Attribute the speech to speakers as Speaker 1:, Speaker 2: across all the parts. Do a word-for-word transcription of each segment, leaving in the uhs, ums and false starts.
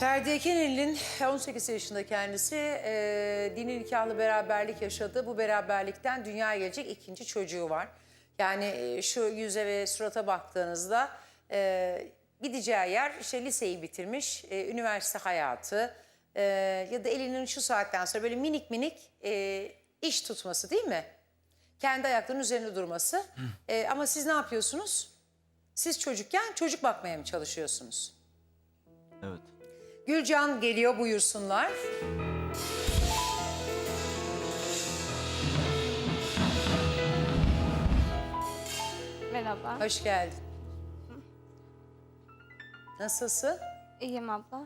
Speaker 1: Ferdi Ekenel'in on sekiz yaşında kendisi e, dini nikahlı beraberlik yaşadı. Bu beraberlikten dünyaya gelecek ikinci çocuğu var. Yani e, şu yüze ve surata baktığınızda e, gideceği yer işte liseyi bitirmiş, e, üniversite hayatı e, ya da elinin şu saatten sonra böyle minik minik e, iş tutması değil mi? Kendi ayaklarının üzerinde durması. E, ama siz ne yapıyorsunuz? Siz çocukken çocuk bakmaya mı çalışıyorsunuz?
Speaker 2: Evet.
Speaker 1: Gülcan geliyor, buyursunlar.
Speaker 3: Merhaba.
Speaker 1: Hoş geldin. Nasılsın?
Speaker 3: İyiyim abla.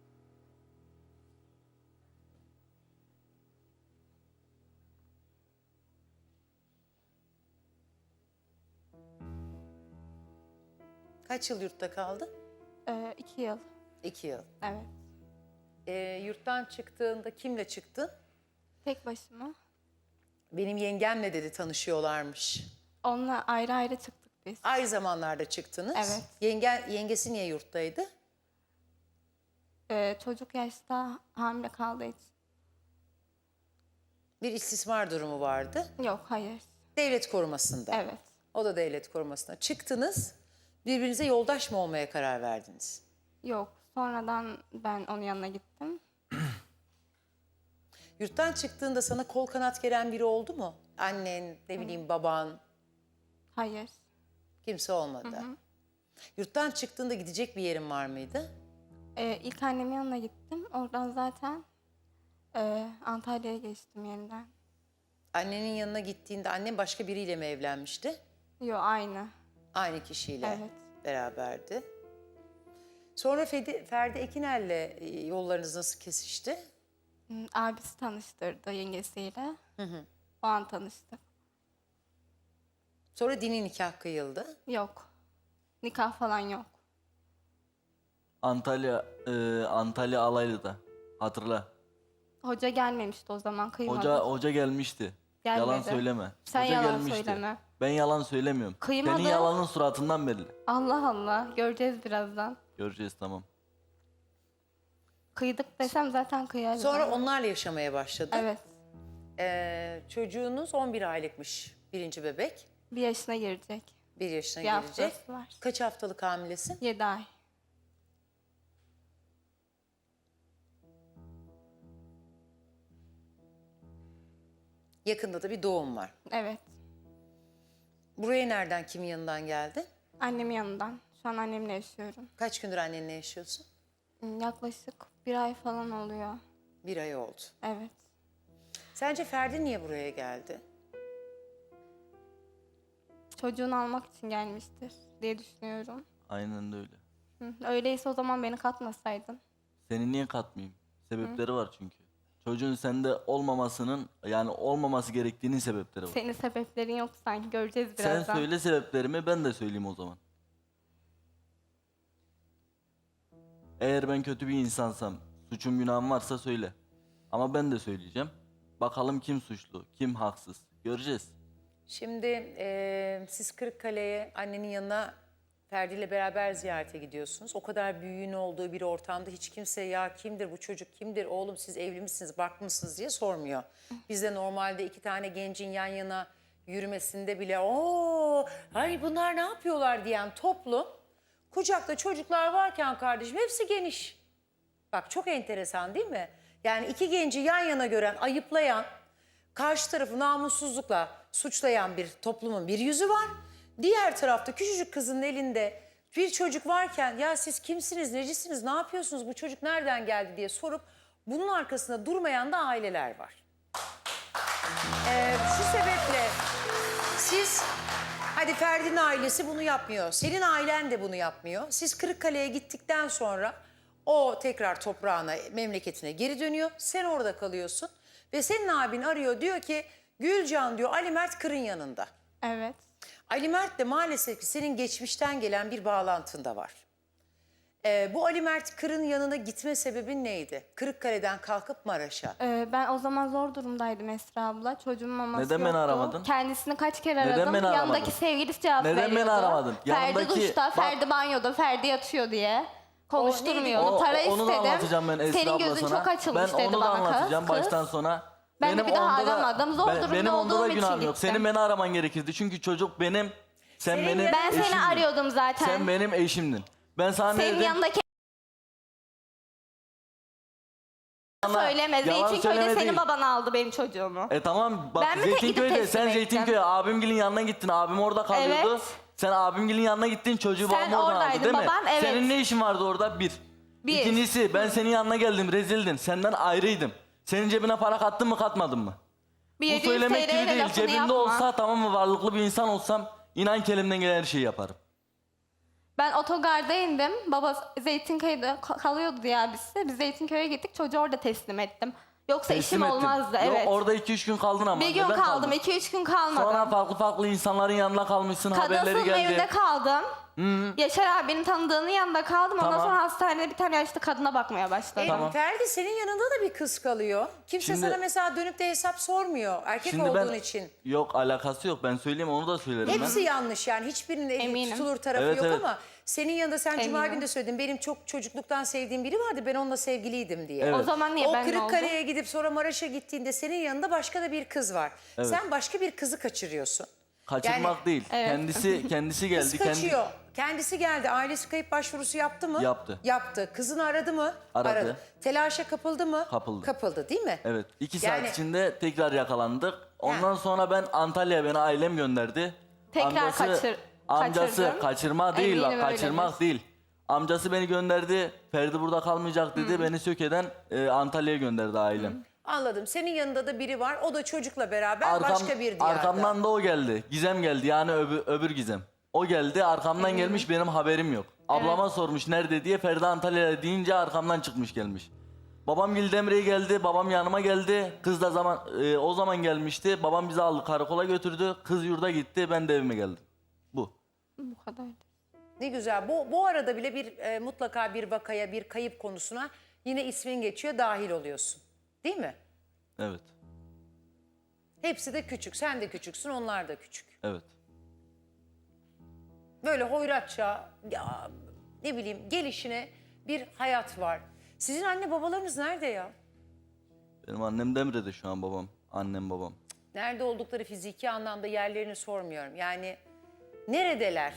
Speaker 1: Kaç yıl yurtta kaldın?
Speaker 3: Ee, iki yıl.
Speaker 1: İki yıl.
Speaker 3: Evet.
Speaker 1: Ee, yurttan çıktığında kimle çıktın?
Speaker 3: Tek başıma.
Speaker 1: Benim yengemle dedi tanışıyorlarmış.
Speaker 3: Onunla ayrı ayrı çıktık biz.
Speaker 1: Aynı zamanlarda çıktınız.
Speaker 3: Evet.
Speaker 1: Yenge, yengesi niye yurttaydı?
Speaker 3: Ee, çocuk yaşta hamile kaldığı için.
Speaker 1: Bir istismar durumu vardı.
Speaker 3: Yok, hayır.
Speaker 1: Devlet korumasında.
Speaker 3: Evet.
Speaker 1: O da devlet korumasında. Çıktınız, birbirinize yoldaş mı olmaya karar verdiniz?
Speaker 3: Yok. Sonradan ben onun yanına gittim.
Speaker 1: Yurttan çıktığında sana kol kanat geren biri oldu mu? Annen, ne bileyim baban,
Speaker 3: Hayır.
Speaker 1: kimse olmadı. Yurttan çıktığında gidecek bir yerin var mıydı?
Speaker 3: Ee, ilk annemin yanına gittim. Oradan zaten e, Antalya'ya geçtim yeniden.
Speaker 1: Annenin yanına gittiğinde annen başka biriyle mi evlenmişti?
Speaker 3: Yok, aynı.
Speaker 1: Aynı kişiyle
Speaker 3: Evet.
Speaker 1: beraberdi. Sonra Ferdi, Ferdi Ekinel'le e, yollarınız nasıl kesişti?
Speaker 3: Hmm, Abisi tanıştırdı yengesiyle. O an tanıştık.
Speaker 1: Sonra dini nikah kıyıldı.
Speaker 3: Yok. Nikah falan yok.
Speaker 2: Antalya e, Antalya Alaylı'da. Hatırla.
Speaker 3: Hoca gelmemişti o zaman, kıymadı.
Speaker 2: Hoca hoca gelmişti.
Speaker 3: Gelmedi.
Speaker 2: Yalan söyleme.
Speaker 3: Sen
Speaker 2: Hoca
Speaker 3: yalan
Speaker 2: gelmişti.
Speaker 3: söyleme.
Speaker 2: Ben yalan söylemiyorum.
Speaker 3: Kıymadı.
Speaker 2: Senin yalanın suratından belli.
Speaker 3: Allah Allah, göreceğiz birazdan.
Speaker 2: Göreceğiz, tamam.
Speaker 3: Kıydık desem zaten kıyarız.
Speaker 1: Sonra
Speaker 3: ama.
Speaker 1: onlarla yaşamaya başladı.
Speaker 3: Evet.
Speaker 1: Ee, çocuğunuz on bir aylıkmış, birinci bebek.
Speaker 3: Bir yaşına girecek.
Speaker 1: Bir yaşına
Speaker 3: Bir
Speaker 1: gelecek.
Speaker 3: haftası var.
Speaker 1: Kaç haftalık hamilesin?
Speaker 3: Yedi ay.
Speaker 1: Yakında da bir doğum var.
Speaker 3: Evet.
Speaker 1: Buraya nereden, kimin yanından geldin?
Speaker 3: Annemin yanından. Şu an annemle yaşıyorum.
Speaker 1: Kaç gündür annenle yaşıyorsun?
Speaker 3: Yaklaşık bir ay falan oluyor.
Speaker 1: Bir ay oldu.
Speaker 3: Evet.
Speaker 1: Sence Ferdi niye buraya geldi?
Speaker 3: Çocuğunu almak için gelmiştir diye düşünüyorum.
Speaker 2: Aynen de öyle.
Speaker 3: Hı, öyleyse o zaman beni katmasaydın.
Speaker 2: Seni niye katmayayım? Sebepleri var çünkü. Çocuğun sende olmamasının, yani olmaması gerektiğinin sebepleri var.
Speaker 3: Senin sebeplerin yok sanki, göreceğiz
Speaker 2: Sen
Speaker 3: birazdan.
Speaker 2: söyle sebeplerimi, ben de söyleyeyim o zaman. Eğer ben kötü bir insansam, suçum günahım varsa söyle. Ama ben de söyleyeceğim. Bakalım kim suçlu, kim haksız. Göreceğiz.
Speaker 1: Şimdi e, siz Kırıkkale'ye annenin yanına Ferdi ile beraber ziyarete gidiyorsunuz. O kadar büyüğün olduğu bir ortamda hiç kimse ya kimdir bu çocuk, kimdir oğlum siz evli misiniz, barklı mısınız diye sormuyor. Bizde normalde iki tane gencin yan yana yürümesinde bile ooo ay bunlar ne yapıyorlar diyen toplum, kucakta çocuklar varken kardeşim hepsi geniş. Bak çok enteresan değil mi? Yani iki genci yan yana gören, ayıplayan, karşı tarafı namussuzlukla suçlayan bir toplumun bir yüzü var. Diğer tarafta küçücük kızın elinde bir çocuk varken ya siz kimsiniz, necisiniz, ne yapıyorsunuz, bu çocuk nereden geldi diye sorup bunun arkasında durmayan da aileler var. Ee, şu sebeple siz, hadi Ferdi'nin ailesi bunu yapmıyor, senin ailen de bunu yapmıyor. Siz Kırıkkale'ye gittikten sonra o tekrar toprağına, memleketine geri dönüyor. Sen orada kalıyorsun ve senin abin arıyor, diyor ki Gülcan diyor Ali Mert Kır'ın yanında.
Speaker 3: Evet.
Speaker 1: Ali Mert de maalesef ki senin geçmişten gelen bir bağlantın da var. Ee, bu Ali Mert Kır'ın yanına gitme sebebin neydi? Kırıkkale'den kalkıp Maraş'a.
Speaker 3: Ee, ben o zaman zor durumdaydım Esra abla. Çocuğumun maması
Speaker 2: Neden beni
Speaker 3: yoktu.
Speaker 2: aramadın?
Speaker 3: Kendisini kaç kere
Speaker 2: Neden
Speaker 3: aradım.
Speaker 2: beni aramadın?
Speaker 3: Yanındaki sevgilisi cevap
Speaker 2: Neden beni
Speaker 3: veriyordu.
Speaker 2: aramadın?
Speaker 3: Ferdi
Speaker 2: Yanındaki-
Speaker 3: duşta,
Speaker 2: Bak-
Speaker 3: Ferdi banyoda, Ferdi yatıyor diye. Konuşturmuyordu.
Speaker 2: O-
Speaker 3: Para
Speaker 2: onu da
Speaker 3: istedim.
Speaker 2: anlatacağım ben Esra
Speaker 3: Senin
Speaker 2: abla
Speaker 3: gözün
Speaker 2: sana.
Speaker 3: çok açılmış
Speaker 2: ben
Speaker 3: dedi
Speaker 2: onu da
Speaker 3: bana kız.
Speaker 2: anlatacağım
Speaker 3: kız.
Speaker 2: baştan sona.
Speaker 3: Ben de bir daha
Speaker 2: onda da-
Speaker 3: aramadım. Zor durumda
Speaker 2: benim onda
Speaker 3: olduğum
Speaker 2: da
Speaker 3: için
Speaker 2: günahım yok.
Speaker 3: gittim.
Speaker 2: Senin beni araman gerekirdi. Çünkü çocuk benim. Sen
Speaker 1: Senin
Speaker 2: benim
Speaker 1: yanında-
Speaker 3: Ben seni
Speaker 2: eşimdin.
Speaker 3: arıyordum zaten.
Speaker 2: Sen benim eşimdin. Ben sana ne
Speaker 3: Senin
Speaker 2: dedim?
Speaker 3: yanındaki
Speaker 2: Bana
Speaker 3: söyleme.
Speaker 2: yalan
Speaker 3: Zeytinköy'de
Speaker 2: söyleme
Speaker 3: senin
Speaker 2: değil.
Speaker 3: baban aldı benim çocuğumu.
Speaker 2: E tamam bak
Speaker 3: Ben mi tek gidip
Speaker 2: Zeytinköy'de
Speaker 3: teslim
Speaker 2: sen
Speaker 3: ettim?
Speaker 2: Zeytinköy'e abimgilin yanına gittin. Abim orada kalıyordu.
Speaker 3: Evet.
Speaker 2: Sen abimgilin yanına gittin çocuğu
Speaker 3: Sen
Speaker 2: babam oradan aldı
Speaker 3: oradaydın,
Speaker 2: değil mi?
Speaker 3: baban, evet.
Speaker 2: Senin ne işin vardı orada? Bir.
Speaker 3: Bir.
Speaker 2: İkincisi ben senin yanına geldim rezildin. Senden ayrıydım. Senin cebine para kattın mı katmadın mı?
Speaker 3: Bir
Speaker 2: Bu
Speaker 3: yedi yüz
Speaker 2: söylemek gibi
Speaker 3: T L'ye
Speaker 2: değil.
Speaker 3: lafını
Speaker 2: Cebimde
Speaker 3: yapma.
Speaker 2: olsa tamam mı varlıklı bir insan olsam inan ki elimden gelen her şeyi yaparım.
Speaker 3: Ben otogarda indim. Baba Zeytinköy'de ka- kalıyordu diye abisi. Biz Zeytinköy'e gittik. Çocuğu orada teslim ettim. Yoksa
Speaker 2: Teslim
Speaker 3: işim
Speaker 2: ettim.
Speaker 3: olmazdı.
Speaker 2: Yok,
Speaker 3: Evet.
Speaker 2: orada iki üç gün kaldın ama.
Speaker 3: Bir gün
Speaker 2: Neden
Speaker 3: kaldım.
Speaker 2: kaldın?
Speaker 3: iki üç gün kalmadım.
Speaker 2: Sonra farklı farklı insanların yanına kalmışsın haberleri
Speaker 3: Kadınsız
Speaker 2: geldi.
Speaker 3: evinde kaldım. Yaşar abinin tanıdığının yanında kaldım. Ondan
Speaker 2: Tamam.
Speaker 3: sonra hastanede bir tane yaşlı kadına bakmaya başladım.
Speaker 1: E,
Speaker 2: Tamam.
Speaker 1: Ferdi senin yanında da bir kız kalıyor. Kimse
Speaker 2: Şimdi-
Speaker 1: sana mesela dönüp de hesap sormuyor. Erkek
Speaker 2: Şimdi
Speaker 1: olduğun
Speaker 2: ben
Speaker 1: için.
Speaker 2: yok alakası yok ben söyleyeyim onu da söylerim
Speaker 1: Hepsi
Speaker 2: ben.
Speaker 1: yanlış yani. Hiçbirinin eli
Speaker 3: Eminim.
Speaker 1: tutulur tarafı
Speaker 2: Evet,
Speaker 1: yok
Speaker 2: evet.
Speaker 1: ama senin yanında sen Cuma
Speaker 3: Eminim.
Speaker 1: günü de söyledin. Benim çok çocukluktan sevdiğim biri vardı. Ben onunla sevgiliydim diye.
Speaker 2: Evet.
Speaker 3: O zaman niye
Speaker 1: O
Speaker 3: ben ne oldu?
Speaker 1: Kırıkkale'ye gidip sonra Maraş'a gittiğinde senin yanında başka da bir kız var.
Speaker 2: Evet.
Speaker 1: Sen başka bir kızı kaçırıyorsun.
Speaker 2: Kaçırmak
Speaker 1: Yani-
Speaker 2: değil.
Speaker 3: Evet.
Speaker 2: Kendisi kendisi geldi.
Speaker 1: Kız
Speaker 2: kendi-
Speaker 1: kaçıyor. Kendisi geldi. Ailesi kayıp başvurusu yaptı mı?
Speaker 2: Yaptı.
Speaker 1: Yaptı. Kızını aradı mı?
Speaker 2: Aradı.
Speaker 1: Telaşa kapıldı mı?
Speaker 2: Kapıldı.
Speaker 1: Kapıldı değil mi?
Speaker 2: Evet. iki
Speaker 1: Yani-
Speaker 2: saat içinde tekrar yakalandık. Ondan
Speaker 1: Ha.
Speaker 2: sonra ben Antalya'ya beni ailem gönderdi.
Speaker 3: Tekrar kaçır-
Speaker 2: Amcası
Speaker 3: kaçırdın.
Speaker 2: kaçırma değil bak
Speaker 3: Eminim
Speaker 2: kaçırmak
Speaker 3: öyledir.
Speaker 2: değil. Amcası beni gönderdi. Ferdi burada kalmayacak dedi. Beni Söke'den e, Antalya'ya gönderdi ailem.
Speaker 1: Anladım. Senin yanında da biri var. O da çocukla beraber
Speaker 2: Arkam-
Speaker 1: başka bir diyarda.
Speaker 2: Arkamdan da o geldi. Gizem geldi yani öbür, öbür Gizem. O geldi arkamdan gelmiş benim haberim yok. Ablama sormuş nerede diye Ferdi Antalya'ya deyince arkamdan çıkmış gelmiş. Babam Gildemre'ye geldi, babam yanıma geldi. Kız da zaman e, o zaman gelmişti. Babam bizi aldı karakola götürdü. Kız yurda gitti, ben de evime geldim. Bu.
Speaker 3: Bu kadar.
Speaker 1: Ne güzel. Bu, bu arada bile bir e, mutlaka bir vakaya, bir kayıp konusuna yine ismin geçiyor, dahil oluyorsun. Değil mi?
Speaker 2: Evet.
Speaker 1: Hepsi de küçük. Sen de küçüksün, onlar da küçük.
Speaker 2: Evet.
Speaker 1: Böyle hoyratça, ya, ne bileyim gelişine bir hayat var. Sizin anne babalarınız nerede ya?
Speaker 2: Benim annem Demre'de şu an babam. Annem babam.
Speaker 1: Nerede oldukları fiziki anlamda yerlerini sormuyorum. Yani neredeler?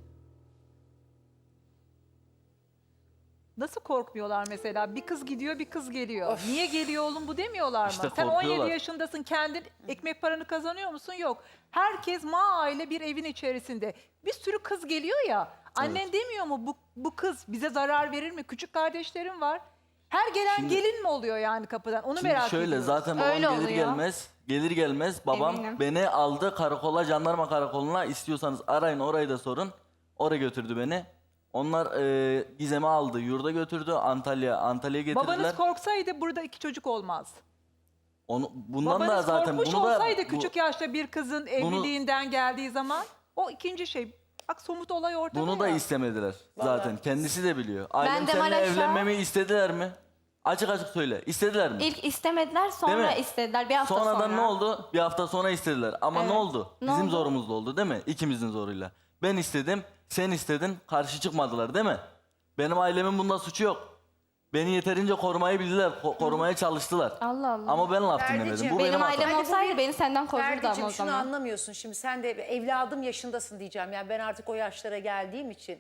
Speaker 4: Nasıl korkmuyorlar mesela? Bir kız gidiyor, bir kız geliyor. Niye geliyor oğlum bu demiyorlar mı?
Speaker 2: İşte
Speaker 4: Sen on yedi
Speaker 2: korkuyorlar.
Speaker 4: yaşındasın, kendin ekmek paranı kazanıyor musun? Yok. Herkes ma aile bir evin içerisinde. Bir sürü kız geliyor ya. Annen demiyor mu bu, bu kız bize zarar verir mi? Küçük kardeşlerim var. Her gelen
Speaker 2: Şimdi-
Speaker 4: gelin mi oluyor yani kapıdan? Onu
Speaker 2: Şimdi
Speaker 4: merak
Speaker 2: şöyle
Speaker 4: ediyorum.
Speaker 2: zaten babam
Speaker 3: Öyle
Speaker 2: gelir
Speaker 3: oluyor.
Speaker 2: gelmez, gelir gelmez babam
Speaker 3: Eminim.
Speaker 2: beni aldı karakola, jandarma karakoluna. İstiyorsanız arayın orayı da sorun. Oraya götürdü beni. Onlar e, Gizem'i aldı, yurda götürdü. Antalya, Antalya'ya getirdiler.
Speaker 4: Babanız korksaydı burada iki çocuk olmaz.
Speaker 2: Onu, bundan da
Speaker 4: Babanız
Speaker 2: zaten
Speaker 4: korkmuş
Speaker 2: bunu da
Speaker 4: olsaydı
Speaker 2: bu-
Speaker 4: küçük yaşta bir kızın evliliğinden geldiği zaman o ikinci şey. Bak somut olay ortada
Speaker 2: bunu da
Speaker 4: ya.
Speaker 2: istemediler zaten. Kendisi de biliyor. Ailem
Speaker 3: de
Speaker 2: seninle
Speaker 3: Maraş'a-
Speaker 2: evlenmemi istediler mi? Açık açık söyle. İstediler mi?
Speaker 3: İlk istemediler,
Speaker 2: Değil
Speaker 3: sonra
Speaker 2: mi?
Speaker 3: istediler. Bir hafta
Speaker 2: Sonradan
Speaker 3: sonra.
Speaker 2: ne oldu? Bir hafta sonra istediler. Ama ne
Speaker 3: Evet.
Speaker 2: oldu?
Speaker 3: Ne
Speaker 2: Bizim
Speaker 3: oldu?
Speaker 2: zorumuzla oldu değil mi? İkimizin zoruyla. Ben istedim, sen istedin, karşı çıkmadılar değil mi? Benim ailemin bunda suçu yok. Beni yeterince korumayı bildiler, ko- korumaya çalıştılar.
Speaker 3: Allah Allah.
Speaker 2: Ama ben laf
Speaker 1: Ferdiciğim,
Speaker 2: dinlemedim. Bu
Speaker 1: benim
Speaker 2: benim,
Speaker 3: Benim
Speaker 2: hatam.
Speaker 3: ailem
Speaker 1: Hadi bu
Speaker 3: olsaydı
Speaker 1: bir-
Speaker 3: beni senden korurdu ama
Speaker 1: Ferdi'cim
Speaker 3: o
Speaker 1: şunu
Speaker 3: zaman.
Speaker 1: anlamıyorsun. Şimdi sen de evladım yaşındasın diyeceğim. Yani ben artık o yaşlara geldiğim için.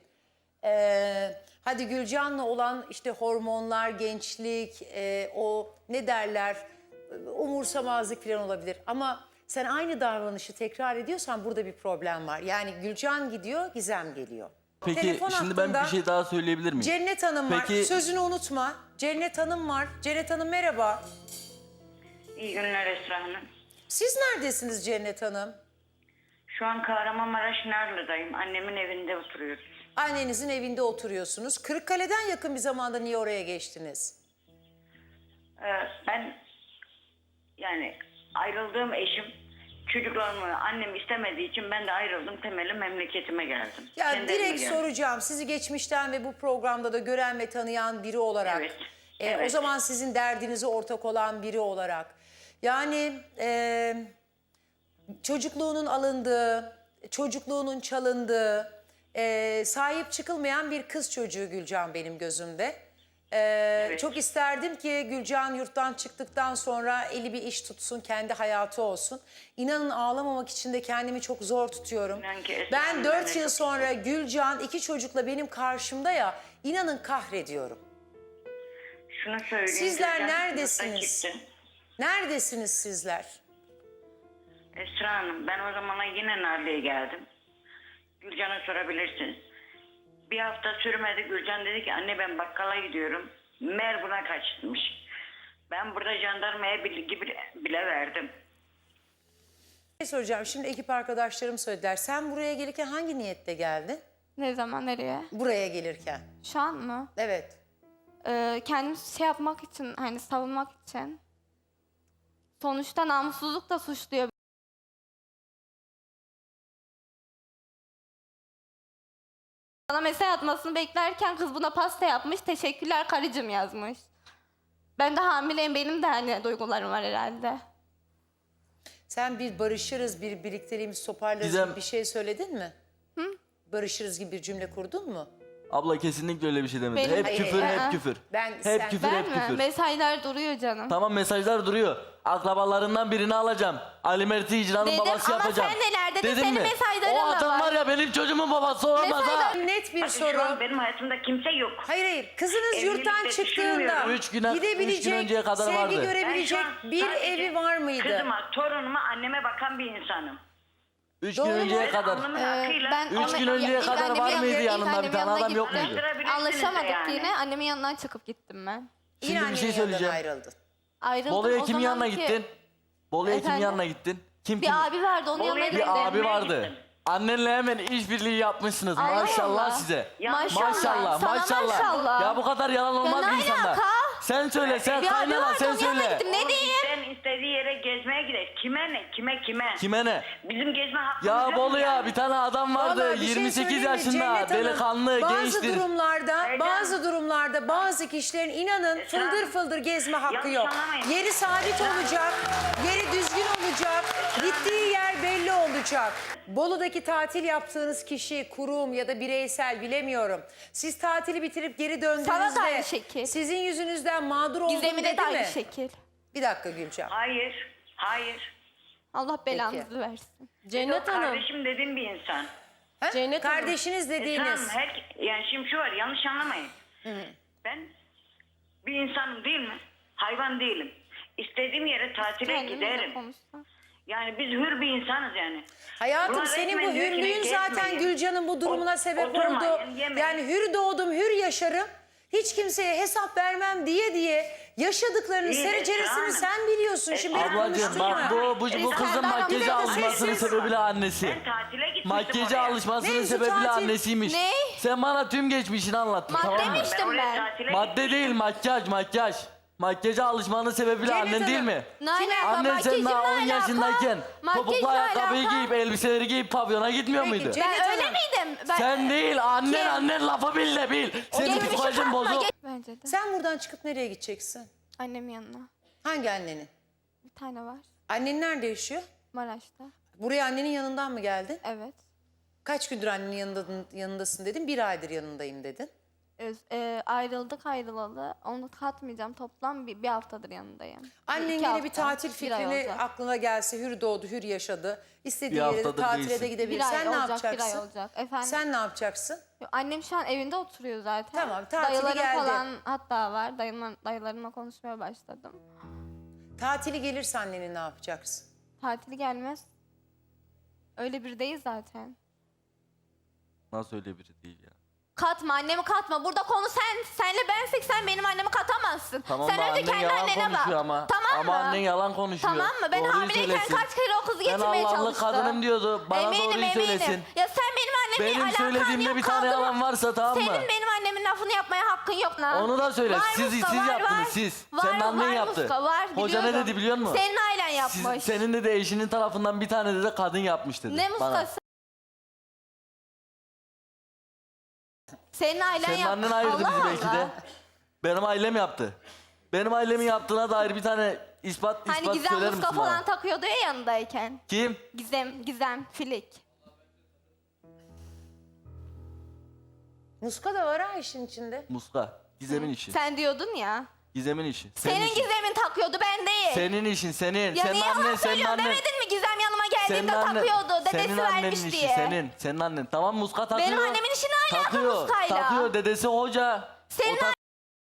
Speaker 1: Ee, hadi Gülcan'la olan işte hormonlar, gençlik, e, o ne derler umursamazlık falan olabilir. Ama sen aynı davranışı tekrar ediyorsan burada bir problem var. Yani Gülcan gidiyor, Gizem geliyor.
Speaker 2: Peki
Speaker 1: Telefon
Speaker 2: şimdi ben
Speaker 1: hattında
Speaker 2: bir şey daha söyleyebilir miyim?
Speaker 1: Cennet Hanım var.
Speaker 2: Peki-
Speaker 1: Sözünü unutma. Cennet Hanım var. Cennet Hanım merhaba.
Speaker 5: İyi günler Esra Hanım.
Speaker 1: Siz neredesiniz Cennet Hanım?
Speaker 5: Şu an Kahramanmaraş Narlı'dayım. Annemin evinde oturuyoruz.
Speaker 1: Annenizin evinde oturuyorsunuz. Kırıkkale'den yakın bir zamanda niye oraya geçtiniz?
Speaker 5: Ee, ben yani ayrıldığım eşim çocuklarımı annem istemediği için ben de ayrıldım. Temeli memleketime geldim.
Speaker 1: Ya
Speaker 5: Kendi evime
Speaker 1: direkt
Speaker 5: geldim.
Speaker 1: soracağım. Sizi geçmişten ve bu programda da gören ve tanıyan biri olarak.
Speaker 5: Evet,
Speaker 1: e, O
Speaker 5: evet.
Speaker 1: zaman sizin derdinize ortak olan biri olarak. Yani e, çocukluğunun alındığı, çocukluğunun çalındığı, e, sahip çıkılmayan bir kız çocuğu Gülcan benim gözümde. Ee, Çok isterdim ki Gülcan yurttan çıktıktan sonra eli bir iş tutsun, kendi hayatı olsun. İnanın ağlamamak için de kendimi çok zor tutuyorum.
Speaker 5: İnan ki Esra
Speaker 1: Ben
Speaker 5: Hanım, ben
Speaker 1: dört
Speaker 5: de
Speaker 1: yıl
Speaker 5: çok
Speaker 1: sonra Gülcan iki çocukla benim karşımda ya, inanın kahrediyorum.
Speaker 5: Şunu söyleyeyim.
Speaker 1: Sizler
Speaker 5: Gülcan
Speaker 1: neredesiniz?
Speaker 5: yurtta gitti.
Speaker 1: Neredesiniz sizler?
Speaker 5: Esra Hanım, ben o zamana yine Narlı'ya geldim. Gülcan'a sorabilirsiniz. Bir hafta sürmedi, Gülcan dedi ki anne ben bakkala gidiyorum. Mer buna kaçmış. Ben burada jandarmaya bilgi bile, bile verdim.
Speaker 1: Ne soracağım? Şimdi ekip arkadaşlarım söylediler. Sen buraya gelirken hangi niyette geldin?
Speaker 3: Ne zaman, nereye?
Speaker 1: Buraya gelirken.
Speaker 3: Şu an mı?
Speaker 1: Evet.
Speaker 3: Ee, kendimi şey yapmak için, hani savunmak için. Sonuçta namussuzluk da suçluyor. Bana mesaj atmasını beklerken kız buna pasta yapmış. Teşekkürler karıcığım yazmış. Ben de hamileyim, benim de hani duygularım var herhalde.
Speaker 1: Sen bir barışırız, bir birlikteliğimizi toparlarız
Speaker 2: Gizem-
Speaker 1: gibi bir şey söyledin mi? Hı? Barışırız gibi bir cümle kurdun mu?
Speaker 2: Abla kesinlikle öyle bir şey demedi.
Speaker 3: Benim-
Speaker 2: Hep
Speaker 1: Hayır,
Speaker 2: küfür,
Speaker 3: hayır.
Speaker 2: hep küfür.
Speaker 1: Ben-
Speaker 2: hep
Speaker 1: sen-
Speaker 2: küfür,
Speaker 3: Ben
Speaker 2: hep
Speaker 3: mi?
Speaker 2: küfür.
Speaker 3: Mesajlar duruyor canım.
Speaker 2: Tamam mesajlar duruyor. Akrabalarından birini alacağım. Ali Mert'i icranın
Speaker 3: Dedim
Speaker 2: babası
Speaker 3: ama
Speaker 2: yapacağım.
Speaker 3: sen neler dedin,
Speaker 2: Dedim
Speaker 3: senin
Speaker 2: mi?
Speaker 3: mesajların
Speaker 2: O
Speaker 3: da
Speaker 2: adam
Speaker 3: var.
Speaker 2: var ya benim çocuğumun babası olamaz ha.
Speaker 1: Net bir
Speaker 5: Bakın şu an
Speaker 1: soru.
Speaker 5: benim hayatımda kimse yok.
Speaker 1: Hayır hayır. Kızınız
Speaker 5: Evlilikte
Speaker 1: yurttan çıktığında
Speaker 5: düşünmüyorum.
Speaker 2: Üç güne- üç gün
Speaker 1: gidebilecek,
Speaker 2: önceye kadar
Speaker 1: sevgi
Speaker 2: vardı.
Speaker 5: Ben
Speaker 1: görebilecek
Speaker 5: şu an
Speaker 1: bir
Speaker 5: sadece
Speaker 1: evi var mıydı?
Speaker 5: Kızıma, torunuma, anneme bakan bir insanım.
Speaker 2: Üç
Speaker 1: Doğru
Speaker 2: gün
Speaker 1: mu?
Speaker 2: önceye
Speaker 5: Ben
Speaker 2: kadar.
Speaker 5: alnımın
Speaker 3: Ee,
Speaker 5: hakkıyla-
Speaker 3: ben
Speaker 2: Üç
Speaker 3: anne-
Speaker 2: gün önceye
Speaker 3: ilk
Speaker 2: kadar
Speaker 3: annemin
Speaker 2: var mıydı
Speaker 3: yanına- ilk
Speaker 2: yanında bir
Speaker 3: annemin
Speaker 2: tane
Speaker 3: yanına
Speaker 2: adam yok
Speaker 3: gittim.
Speaker 2: muydu?
Speaker 3: Anlaşamadık
Speaker 5: yani.
Speaker 3: yine. Annemin yanından çıkıp gittim ben.
Speaker 2: Şimdi
Speaker 1: Yine
Speaker 2: bir şey
Speaker 1: annenin yanından
Speaker 2: söyleyeceğim.
Speaker 1: ayrıldın.
Speaker 3: Ayrıldım.
Speaker 2: Bolu'ya
Speaker 3: O
Speaker 2: kimin yanına
Speaker 3: zamanki
Speaker 2: gittin? Bolu'ya kimin
Speaker 3: Efendim?
Speaker 2: yanına gittin? Kim
Speaker 3: Bir
Speaker 2: kim?
Speaker 3: abi vardı, onun
Speaker 5: Bolu'ya
Speaker 3: yanına
Speaker 5: bir
Speaker 3: gittim.
Speaker 2: Bir abi
Speaker 5: Gittim.
Speaker 2: vardı. Annenle hemen işbirliği yapmışsınız.
Speaker 3: Allah
Speaker 2: Maşallah
Speaker 3: Allah.
Speaker 2: size.
Speaker 5: Ya
Speaker 3: Maşallah.
Speaker 2: Maşallah,
Speaker 3: Sana
Speaker 2: maşallah.
Speaker 3: maşallah.
Speaker 2: Ya bu kadar yalan olmaz
Speaker 3: ne
Speaker 2: bir insanda.
Speaker 3: alaka?
Speaker 2: Sen söyle, sen
Speaker 3: Bir abi
Speaker 2: kaynana
Speaker 3: vardı,
Speaker 2: sen
Speaker 3: onun yanına
Speaker 2: söyle.
Speaker 3: gittim. Ne diyeyim?
Speaker 5: Sen istediği yere gezmeye gider. Kime ne? Kime kime?
Speaker 2: Kime ne?
Speaker 5: Bizim gezme hakkımız
Speaker 2: Ya
Speaker 5: yok mu
Speaker 2: Bolu'ya
Speaker 5: yani?
Speaker 2: bir tane adam vardı.
Speaker 1: Vallahi bir şey
Speaker 2: yirmi sekiz
Speaker 1: söyleyeyim mi?
Speaker 2: yaşında,
Speaker 1: Cennet Hanım,
Speaker 2: delikanlı,
Speaker 1: bazı
Speaker 2: gençtir.
Speaker 1: durumlarda,
Speaker 5: Erdem.
Speaker 1: bazı durumlarda bazı kişilerin inanın
Speaker 5: Esra,
Speaker 1: fıldır fıldır gezme hakkı
Speaker 5: yanlış
Speaker 1: yok.
Speaker 5: anlamayın.
Speaker 1: Yeri sabit olacak, yeri düzgün olacak, gittiği yer belli olacak. Bolu'daki tatil yaptığınız kişi, kurum ya da bireysel bilemiyorum. Siz tatili bitirip geri
Speaker 3: Sana da
Speaker 1: döndüğünüzde
Speaker 3: aynı şekil.
Speaker 1: sizin yüzünüzden mağdur oldum
Speaker 3: Gizemine
Speaker 1: dedi
Speaker 3: de aynı
Speaker 1: mi?
Speaker 3: şekil.
Speaker 1: Bir dakika Gülcan.
Speaker 5: Hayır. Hayır.
Speaker 3: Allah belanızı versin.
Speaker 6: Cennet Hanım,
Speaker 5: Kardeşim dediğim bir insan.
Speaker 1: Ha?
Speaker 6: Cennet Hanım.
Speaker 1: Kardeşiniz dediğiniz.
Speaker 5: Esra Hanım, her, yani şimdi şu var, yanlış anlamayın. Ben bir insanım değil mi? Hayvan değilim. İstediğim yere tatile
Speaker 3: Kendimle
Speaker 5: giderim.
Speaker 3: konuşsam.
Speaker 5: Yani biz hür bir insanız yani.
Speaker 1: Hayatım
Speaker 5: Bunlar
Speaker 1: senin bu
Speaker 5: resmen diyor ki,
Speaker 1: hürlüğün zaten
Speaker 5: gezmeyin,
Speaker 1: Gülcan'ın bu durumuna
Speaker 5: ot-
Speaker 1: sebep
Speaker 5: oturmayın,
Speaker 1: oldu.
Speaker 5: yemeyin.
Speaker 1: Yani hür doğdum, hür yaşarım. Hiç kimseye hesap vermem diye diye yaşadıklarının
Speaker 5: İyi,
Speaker 1: sereceresini
Speaker 5: Esra Hanım.
Speaker 1: sen biliyorsun. Şimdi beni
Speaker 2: Ablacığım
Speaker 1: konuşturma.
Speaker 2: bak bu, bu, bu
Speaker 3: Esra
Speaker 2: kızın
Speaker 3: Hanım,
Speaker 2: makyajı
Speaker 3: bir dakika,
Speaker 2: alışmasının
Speaker 1: sessiz.
Speaker 2: sebebiyle annesi.
Speaker 5: Ben tatile gitmiştim
Speaker 2: Makyajı
Speaker 5: oraya.
Speaker 2: alışmasının
Speaker 1: Mevzu
Speaker 2: sebebiyle
Speaker 1: tatil.
Speaker 2: annesiymiş.
Speaker 3: Ne?
Speaker 2: Sen bana tüm geçmişini anlattın
Speaker 3: Madde
Speaker 2: tamam mı?
Speaker 3: mi?
Speaker 5: Ben
Speaker 3: İçtim
Speaker 5: oraya
Speaker 3: ben.
Speaker 5: tatile
Speaker 2: Madde değil makyaj makyaj. Makyaja alışmanın sebebiyle
Speaker 1: Cennet
Speaker 2: annen değil
Speaker 1: Hanım,
Speaker 2: mi?
Speaker 3: Ne alaka?
Speaker 2: Annen sen
Speaker 3: Makyajımla
Speaker 2: daha on
Speaker 3: alaka?
Speaker 2: yaşındayken topuklu
Speaker 3: Makyajla
Speaker 2: ayakkabıyı
Speaker 3: alaka?
Speaker 2: giyip elbiseleri giyip pavyona gitmiyor
Speaker 1: Peki,
Speaker 2: muydu?
Speaker 1: Cennet
Speaker 3: Ben öyle
Speaker 1: Hanım,
Speaker 3: miydim? Ben,
Speaker 2: Sen değil annen
Speaker 3: Kim?
Speaker 2: annen lafı bil de bil. Senin
Speaker 3: Geçmişi
Speaker 2: psikolojin
Speaker 3: katma,
Speaker 2: bozuk.
Speaker 3: geç- Bence de.
Speaker 1: sen buradan çıkıp nereye gideceksin?
Speaker 3: Annemin yanına.
Speaker 1: Hangi annenin?
Speaker 3: Bir tane var.
Speaker 1: Annen nerede yaşıyor?
Speaker 3: Maraş'ta.
Speaker 1: Buraya annenin yanından mı geldin?
Speaker 3: Evet.
Speaker 1: Kaç gündür annenin yanında, yanındasın dedin? Bir aydır yanındayım dedin.
Speaker 3: Öz, e, ayrıldık ayrılalı. Onu katmayacağım. Toplam bir, bir haftadır yanındayım.
Speaker 1: Annen
Speaker 3: İki
Speaker 1: yine
Speaker 3: hafta,
Speaker 1: bir tatil
Speaker 3: bir ay
Speaker 1: fikrini
Speaker 3: olacak.
Speaker 1: aklına gelse hür doğdu, hür yaşadı. İstediği
Speaker 2: Bir
Speaker 1: yere de
Speaker 2: haftadır
Speaker 1: tatile de
Speaker 2: değilsin.
Speaker 1: gidebilir.
Speaker 3: Bir ay
Speaker 1: Sen ne
Speaker 3: olacak,
Speaker 1: yapacaksın?
Speaker 3: bir ay olacak. Efendim?
Speaker 1: Sen ne yapacaksın?
Speaker 3: Yo, Annem şu an evinde oturuyor zaten.
Speaker 1: Tamam, tatili
Speaker 3: Dayılarım
Speaker 1: geldi.
Speaker 3: falan hatta var. Dayımla, dayılarımla konuşmaya başladım.
Speaker 1: Tatili gelirse annenin ne yapacaksın?
Speaker 3: Tatili gelmez. Öyle bir değil zaten.
Speaker 2: Nasıl öyle biri değil ya?
Speaker 3: Katma, annemi katma. Burada konu sen. Senle bensek sen benim annemi katamazsın.
Speaker 2: Tamam
Speaker 3: sen
Speaker 2: da
Speaker 3: önce
Speaker 2: annen
Speaker 3: kendi
Speaker 2: yalan
Speaker 3: annene bak.
Speaker 2: konuşuyor ama.
Speaker 3: Tamam
Speaker 2: Ama
Speaker 3: mı?
Speaker 2: annen yalan konuşuyor.
Speaker 3: Tamam mı? Ben
Speaker 2: Doğruyu
Speaker 3: hamileyken
Speaker 2: söylesin.
Speaker 3: kaç kere o kızı
Speaker 2: Ben
Speaker 3: getirmeye
Speaker 2: Allah'lı
Speaker 3: çalıştım.
Speaker 2: kadınım diyordu. Bana
Speaker 3: eminim,
Speaker 2: doğruyu
Speaker 3: eminim.
Speaker 2: söylesin.
Speaker 3: Ya sen benim annemle
Speaker 2: Benim
Speaker 3: alakan
Speaker 2: söylediğimde
Speaker 3: yok.
Speaker 2: bir tane
Speaker 3: kaldı mı?
Speaker 2: yalan varsa tamam mı?
Speaker 3: Senin benim annemin lafını yapmaya hakkın yok lan.
Speaker 2: Onu da söyle.
Speaker 3: Var
Speaker 2: Siz-
Speaker 3: Muska,
Speaker 2: siz
Speaker 3: var,
Speaker 2: yaptınız,
Speaker 3: var.
Speaker 2: siz.
Speaker 3: Var,
Speaker 2: Senin annen
Speaker 3: var
Speaker 2: yaptı.
Speaker 3: Muska, var,
Speaker 2: Hoca ne
Speaker 3: biliyorum.
Speaker 2: dedi biliyor musun?
Speaker 3: Senin ailen
Speaker 2: Siz-
Speaker 3: yapmış.
Speaker 2: senin de de eşinin tarafından bir tane de kadın yapmış dedi.
Speaker 3: Ne
Speaker 2: bana.
Speaker 3: Muskası? Senin ailen
Speaker 2: Senin
Speaker 3: yaptı.
Speaker 2: annen ayırdı
Speaker 3: Allah
Speaker 2: bizi belki
Speaker 3: Allah.
Speaker 2: de. Benim ailem yaptı. Benim ailemin yaptığına dair bir tane ispat ispat
Speaker 3: Hani Gizem
Speaker 2: söyler
Speaker 3: Muska
Speaker 2: misin bana?
Speaker 3: falan takıyordu ya yanındayken.
Speaker 2: Kim?
Speaker 3: Gizem, Gizem, Filik.
Speaker 1: Muska da var ha işin içinde.
Speaker 2: Muska. Gizem'in işi.
Speaker 3: Sen diyordun ya.
Speaker 2: Gizem'in işi.
Speaker 3: Senin
Speaker 2: işin.
Speaker 3: Gizem'in takıyordu, ben değil.
Speaker 2: Senin işin senin.
Speaker 3: Ya
Speaker 2: senin
Speaker 3: niye
Speaker 2: annen,
Speaker 3: yalan
Speaker 2: senin
Speaker 3: söylüyorsun
Speaker 2: annen.
Speaker 3: demedin mi Gizem yanıma geldiğinde
Speaker 2: annen-
Speaker 3: takıyordu. Dedesi
Speaker 2: senin annenin
Speaker 3: vermiş
Speaker 2: işi,
Speaker 3: diye.
Speaker 2: Senin, senin annen. Tamam muska takıyor.
Speaker 3: Benim annemin işi ne alaka
Speaker 2: takıyor,
Speaker 3: muskayla?
Speaker 2: Takıyor, dedesi hoca.
Speaker 3: Senin
Speaker 2: O tak-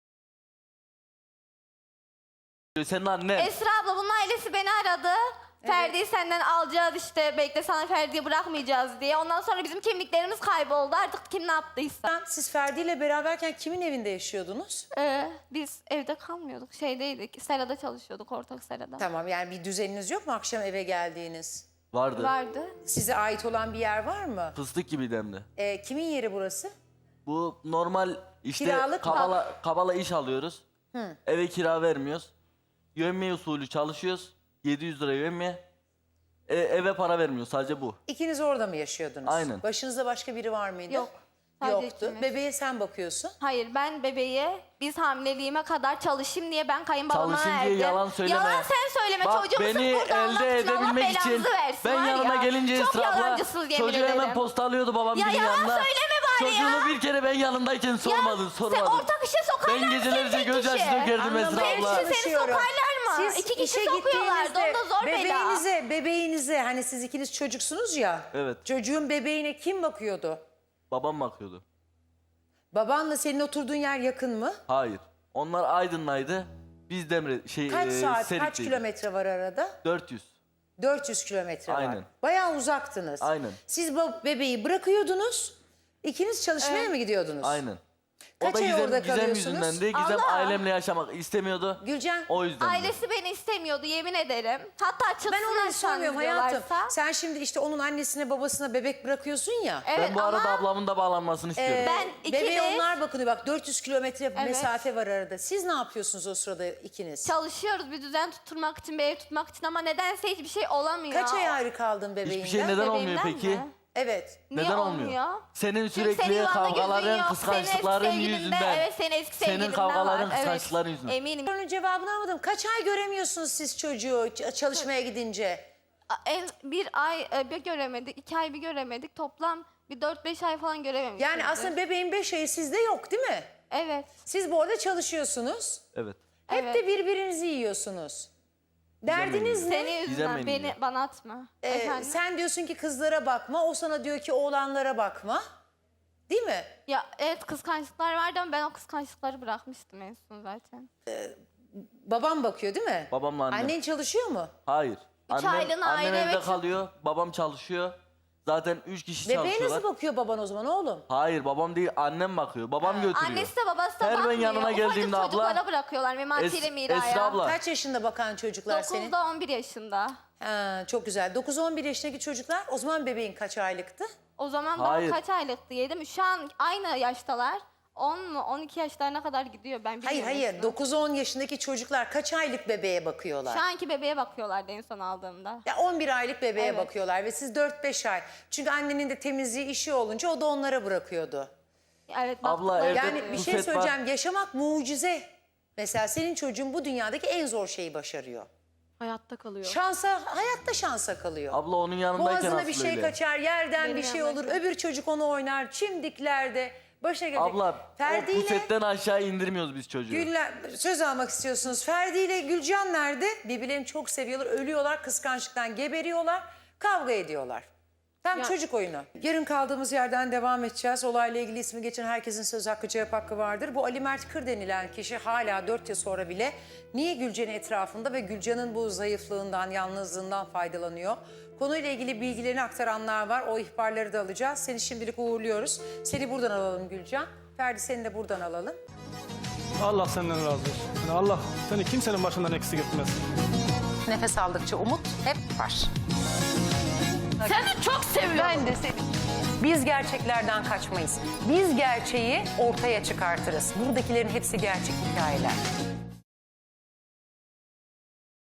Speaker 2: Senin annen.
Speaker 3: Esra abla bunun ailesi beni aradı. Ferdi'yi senden alacağız işte, bekle sana Ferdi'yi bırakmayacağız diye. Ondan sonra bizim kimliklerimiz kayboldu, artık kim ne yaptıysa.
Speaker 1: Siz Ferdi ile beraberken kimin evinde yaşıyordunuz?
Speaker 3: Ee, biz evde kalmıyorduk, şeydeydik, serada çalışıyorduk, ortak serada.
Speaker 1: Tamam, yani bir düzeniniz yok mu akşam eve geldiğiniz?
Speaker 2: Vardı.
Speaker 3: Vardı.
Speaker 1: Size ait olan bir yer var mı?
Speaker 2: Fıstık gibiydi hem de.
Speaker 1: Ee, kimin yeri burası?
Speaker 2: Bu normal işte
Speaker 1: Kiralık mı?
Speaker 2: kabala, kabala iş alıyoruz. Eve kira vermiyoruz. Yövmiye usulü çalışıyoruz. yedi yüz lira yövmiye. E, eve para vermiyor, sadece bu.
Speaker 1: İkiniz orada mı yaşıyordunuz?
Speaker 2: Aynen.
Speaker 1: Başınızda başka biri var mıydı?
Speaker 3: Yok, sadece
Speaker 1: Yoktu.
Speaker 3: ikimiz.
Speaker 1: Bebeğe sen bakıyorsun.
Speaker 3: Hayır, ben bebeğe biz hamileliğime kadar çalışayım diye ben kayınbabama
Speaker 2: Çalışayım
Speaker 3: verdim.
Speaker 2: diye yalan söyleme.
Speaker 3: Yalan sen söyleme,
Speaker 2: Bak
Speaker 3: çocuğumu sırf
Speaker 2: beni
Speaker 3: burada almak
Speaker 2: elde
Speaker 3: için Allah
Speaker 2: edebilmek için
Speaker 3: belanızı versin
Speaker 2: ben
Speaker 3: var
Speaker 2: yanıma
Speaker 3: ya.
Speaker 2: gelince
Speaker 3: Çok
Speaker 2: Esra abla
Speaker 3: yalancısınız yemin
Speaker 2: çocuğu hemen
Speaker 3: ederim.
Speaker 2: postalıyordu babam
Speaker 3: Ya
Speaker 2: gibi
Speaker 3: yalan
Speaker 2: yanına.
Speaker 3: söyleme bari
Speaker 2: Çocuğunu
Speaker 3: ya.
Speaker 2: bir kere ben yanındayken sormadın,
Speaker 3: Ya,
Speaker 2: sormadın.
Speaker 3: sen ortak işe sokarlar
Speaker 2: Ben
Speaker 3: mı
Speaker 2: gecelerce
Speaker 3: seni tek
Speaker 2: gözyaşı
Speaker 3: kişi?
Speaker 2: dökerdim Esra
Speaker 1: Anlamaya
Speaker 2: abla.
Speaker 3: Seni
Speaker 1: çalışıyorum.
Speaker 3: sokarlar mı?
Speaker 1: Siz
Speaker 3: İki kişi
Speaker 1: işe
Speaker 3: sokuyorlardı,
Speaker 1: gittiğinizde
Speaker 3: onda zor bela.
Speaker 1: bebeğinize, bebeğinize hani siz ikiniz çocuksunuz ya.
Speaker 2: Evet.
Speaker 1: Çocuğun bebeğine kim bakıyordu?
Speaker 2: Babam bakıyordu.
Speaker 1: Babanla senin oturduğun yer yakın mı?
Speaker 2: Hayır. Onlar Aydın'daydı. Biz Demre şey
Speaker 1: Kaç
Speaker 2: e,
Speaker 1: saat, kaç
Speaker 2: Serik'teydik.
Speaker 1: kilometre var arada?
Speaker 2: dört yüz.
Speaker 1: dört yüz kilometre var.
Speaker 2: Aynen.
Speaker 1: Bayağı uzaktınız.
Speaker 2: Aynen.
Speaker 1: Siz bu bebeği bırakıyordunuz. İkiniz çalışmaya mı gidiyordunuz?
Speaker 2: Aynen.
Speaker 1: Kaç
Speaker 2: o da
Speaker 1: ay
Speaker 2: Gizem,
Speaker 1: orada
Speaker 2: Gizem
Speaker 1: kalıyorsunuz?
Speaker 2: yüzünden de Gizem
Speaker 3: Allah!
Speaker 2: ailemle yaşamak istemiyordu.
Speaker 1: Gülcan,
Speaker 2: O yüzden. de.
Speaker 3: Ailesi beni istemiyordu yemin ederim. Hatta çıksınlar
Speaker 1: ben onu sormuyorum hayatım.
Speaker 3: diyorlarsa.
Speaker 1: Sen şimdi işte onun annesine babasına bebek bırakıyorsun ya.
Speaker 3: Evet
Speaker 2: Ben bu arada
Speaker 3: ama
Speaker 2: ablamın da bağlanmasını istiyorum.
Speaker 1: Ee,
Speaker 3: Ben iki
Speaker 1: bebeğe
Speaker 3: de-
Speaker 1: onlar bakıyor. Bak dört yüz kilometre
Speaker 3: Evet.
Speaker 1: mesafe var arada. Siz ne yapıyorsunuz o sırada ikiniz?
Speaker 3: çalışıyoruz bir düzen tutturmak için, bir ev tutmak için ama nedense hiçbir şey olamıyor.
Speaker 1: Kaç ay ayrı kaldın bebeğinden?
Speaker 2: Hiçbir şey neden olmuyor
Speaker 3: Bebeğimden
Speaker 2: peki?
Speaker 3: mi?
Speaker 1: Evet.
Speaker 3: Niye
Speaker 2: Neden
Speaker 3: olmuyor?
Speaker 2: olmuyor? Senin
Speaker 3: Çünkü senin
Speaker 2: sürekli
Speaker 3: yuvanda gözün
Speaker 2: kavgaların,
Speaker 3: yok,
Speaker 2: kıskançlıkların
Speaker 3: senin eski sevgilinde-
Speaker 2: yüzünden.
Speaker 3: Evet, senin eski
Speaker 2: Senin
Speaker 3: sevgilinde
Speaker 2: kavgaların,
Speaker 3: var.
Speaker 2: kıskançlıkların
Speaker 3: evet.
Speaker 2: yüzünden.
Speaker 3: Eminim.
Speaker 1: Sorunun cevabını almadım. Kaç ay göremiyorsunuz siz çocuğu ç- çalışmaya gidince?
Speaker 3: En, bir ay e, bir göremedik, iki ay bir göremedik. Toplam bir dört beş ay falan görememişiz.
Speaker 1: Yani aslında bebeğin beş ayı sizde yok değil mi?
Speaker 3: Evet.
Speaker 1: Siz bu arada çalışıyorsunuz.
Speaker 2: Evet.
Speaker 1: Hep
Speaker 3: Evet.
Speaker 1: de birbirinizi yiyorsunuz. Derdiniz ne?
Speaker 3: Senin
Speaker 2: Gizem
Speaker 3: yüzünden
Speaker 2: beni
Speaker 3: beni
Speaker 2: yiyor.
Speaker 3: bana atma.
Speaker 1: Ee,
Speaker 3: Efendim?
Speaker 1: sen diyorsun ki kızlara bakma, o sana diyor ki oğlanlara bakma. Değil mi?
Speaker 3: Ya evet, kıskançlıklar vardı ama ben o kıskançlıkları bırakmıştım en son zaten.
Speaker 1: Babam bakıyor değil mi?
Speaker 2: Babamla annem.
Speaker 1: Annen çalışıyor mu?
Speaker 2: Hayır. Annem,
Speaker 3: aylığına
Speaker 2: annem
Speaker 3: ayrı
Speaker 2: evde
Speaker 3: eve çık-
Speaker 2: kalıyor. Babam çalışıyor. Zaten üç kişi
Speaker 1: Bebeğe
Speaker 2: çalışıyorlar.
Speaker 1: nasıl bakıyor baban o zaman oğlum?
Speaker 2: Hayır babam değil annem bakıyor. Babam götürüyor.
Speaker 3: Annesi de babası da
Speaker 2: Her ben
Speaker 3: bakmıyor.
Speaker 2: yanına
Speaker 3: Ufacık
Speaker 2: geldiğimde abla-
Speaker 3: çocuklara bırakıyorlar mematiyle
Speaker 2: Es-
Speaker 3: Mira'ya.
Speaker 2: Esra abla.
Speaker 1: Kaç yaşında bakan çocuklar senin?
Speaker 3: dokuzda on bir yaşında.
Speaker 1: Ha, çok güzel. dokuz on bir yaşındaki çocuklar o zaman bebeğin kaç aylıktı?
Speaker 3: O zaman
Speaker 2: Hayır.
Speaker 3: daha kaç aylıktı yedim. Şu an aynı yaştalar. on mu on iki yaşlarına kadar gidiyor, ben bilmiyorum.
Speaker 1: Hayır hayır.
Speaker 3: yaşını.
Speaker 1: dokuz on yaşındaki çocuklar kaç aylık bebeğe bakıyorlar?
Speaker 3: Şu anki bebeğe bakıyorlardı en son aldığımda.
Speaker 1: Ya on bir aylık bebeğe
Speaker 3: Evet.
Speaker 1: bakıyorlar ve siz dört beş ay. Çünkü annenin de temizliği işi olunca o da onlara bırakıyordu.
Speaker 3: Evet,
Speaker 2: Abla,
Speaker 3: baktıkları-
Speaker 2: evde-
Speaker 1: Yani bir şey
Speaker 2: Rufet var.
Speaker 1: söyleyeceğim. Yaşamak mucize. Mesela senin çocuğun bu dünyadaki en zor şeyi başarıyor.
Speaker 6: Hayatta kalıyor.
Speaker 1: Şansa, hayatta şansa kalıyor.
Speaker 2: Abla onun yanındayken
Speaker 1: Boğazına
Speaker 2: asıl
Speaker 1: bir şey
Speaker 2: öyle.
Speaker 1: kaçar, yerden
Speaker 3: Benim
Speaker 1: bir şey olur.
Speaker 3: yanımdayken.
Speaker 1: Öbür çocuk onu oynar, çimdiklerde. Başına gelecek.
Speaker 2: Abla
Speaker 1: Ferdi
Speaker 2: o
Speaker 1: ile
Speaker 2: pusetten aşağı indirmiyoruz biz çocuğu.
Speaker 1: Güller, söz almak istiyorsunuz. Ferdi ile Gülcan nerede? Birbirlerini çok seviyorlar, ölüyorlar, kıskançlıktan geberiyorlar, kavga ediyorlar. Tam
Speaker 6: Ya-
Speaker 1: çocuk oyunu. Yarın kaldığımız yerden devam edeceğiz. Olayla ilgili ismi geçen herkesin söz hakkı, cevap hakkı vardır. Bu Ali Mert Kır denilen kişi hala dört yıl sonra bile niye Gülcan'ın etrafında ve Gülcan'ın bu zayıflığından, yalnızlığından faydalanıyor? Konuyla ilgili bilgilerini aktaranlar var. O ihbarları da alacağız. Seni şimdilik uğurluyoruz. Seni buradan alalım Gülcan. Ferdi seni de buradan alalım.
Speaker 7: Allah senden razı olsun. Yani Allah seni kimsenin başından eksik etmez.
Speaker 1: Nefes aldıkça umut hep var.
Speaker 6: Seni çok seviyorum.
Speaker 1: Ben de seni. Biz gerçeklerden kaçmayız. Biz gerçeği ortaya çıkartırız. Buradakilerin hepsi gerçek hikayeler.